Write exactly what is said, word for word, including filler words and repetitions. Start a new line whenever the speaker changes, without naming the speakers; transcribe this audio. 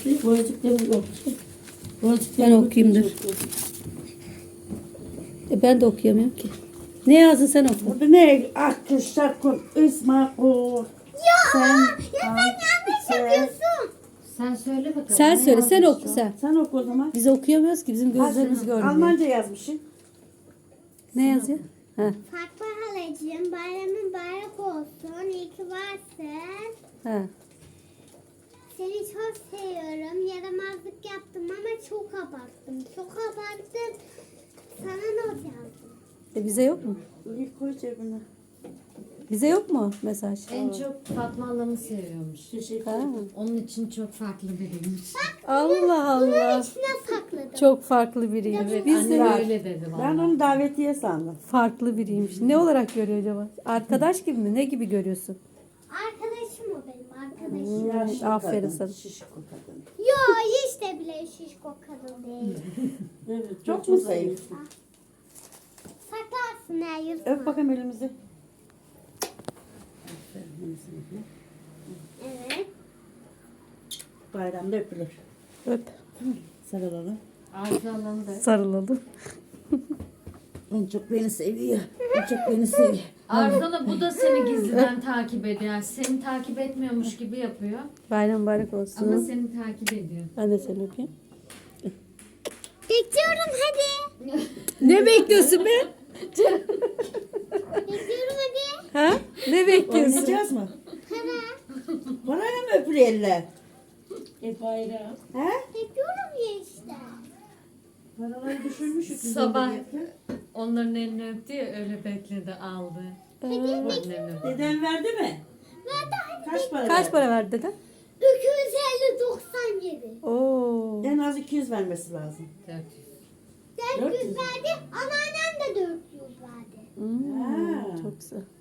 Boğazcık, boğazcıkları yok.
Ben okuyayım dur. E ben de okuyamıyorum ki. Ne yazdın sen oku.
Burada ne? Akkı, şakun, ısmakul.
Ya,
Sen,
ya sen yanlış
sen-
yapıyorsun.
Sen söyle bakalım.
Sen
ne
söyle sen
yazmış
oku
o?
sen.
Sen oku o zaman.
Biz okuyamıyoruz ki bizim gözlerimiz
Ha,
görmüyor.
Almanca yazmışsın.
Ne yazıyor? Ha,
Fatma halacığım bayramın bayrak olsun. İyi ki varsın.
ha.
Seni çok seviyorum. Yaramazlık yaptım ama çok abarttım. Çok abarttım. Sana not yazdım.
E bize yok mu?
İlk koy cebine.
Bize yok mu mesaj?
En çok Fatma Allah'ını seviyormuş.
Teşekkür
Ha.
ederim.
Onun için çok farklı biriymiş.
Allah
Bunun
Allah.
içine sakladım.
Çok farklı biriymiş.
Evet,
Biz
anne
de
öyle dedi
Ben
valla.
onu davetiye sandım.
farklı biriymiş. Ne olarak görüyor acaba? Arkadaş gibi mi? Ne gibi görüyorsun?
Arkadaşım o benim arkadaşım.
Yaşlı
aferin
kadın,
sana.
Şişko kadın.
Yo hiç de bile şişko kadın değil.
Evet, çok mu zayıf?
Saklarsın her yıl.
Öp bakayım elimizi.
Evet.
Bayramda öpülür.
Öp.
Sarılalım.
Arzu Allah'ını da.
Sarılalım.
En çok beni seviyor. En çok beni seviyor.
Arzu bu da seni gizliden takip ediyor. Yani seni takip etmiyormuş gibi yapıyor.
Bayram mübarek olsun.
Ama seni takip ediyor.
Ben de seni öpeyim.
Bekliyorum hadi.
Ne bekliyorsun be?
Bekliyorum hadi.
Ha? Ne bekliyorsun?
Oynayacağız mı?
Para.
Parayla mı öpülüyorlar?
E bayram.
He?
Bekliyorum ya işte.
Paraları düşürmüşük. biz
Sabah
orada yapıyor.
onların elini öptü ya öyle bekledi aldı. Annem öptü.
Deden verdi mi?
Verdi hadi.
Kaç para
Kaç
verdi?
para verdi dede?
iki yüz elli doksan yedi.
Oo.
En az iki yüz vermesi lazım.
dört yüz.
dört yüz verdi. Anneannem de dört yüz verdi.
Hmm,
Ha.
çok güzel.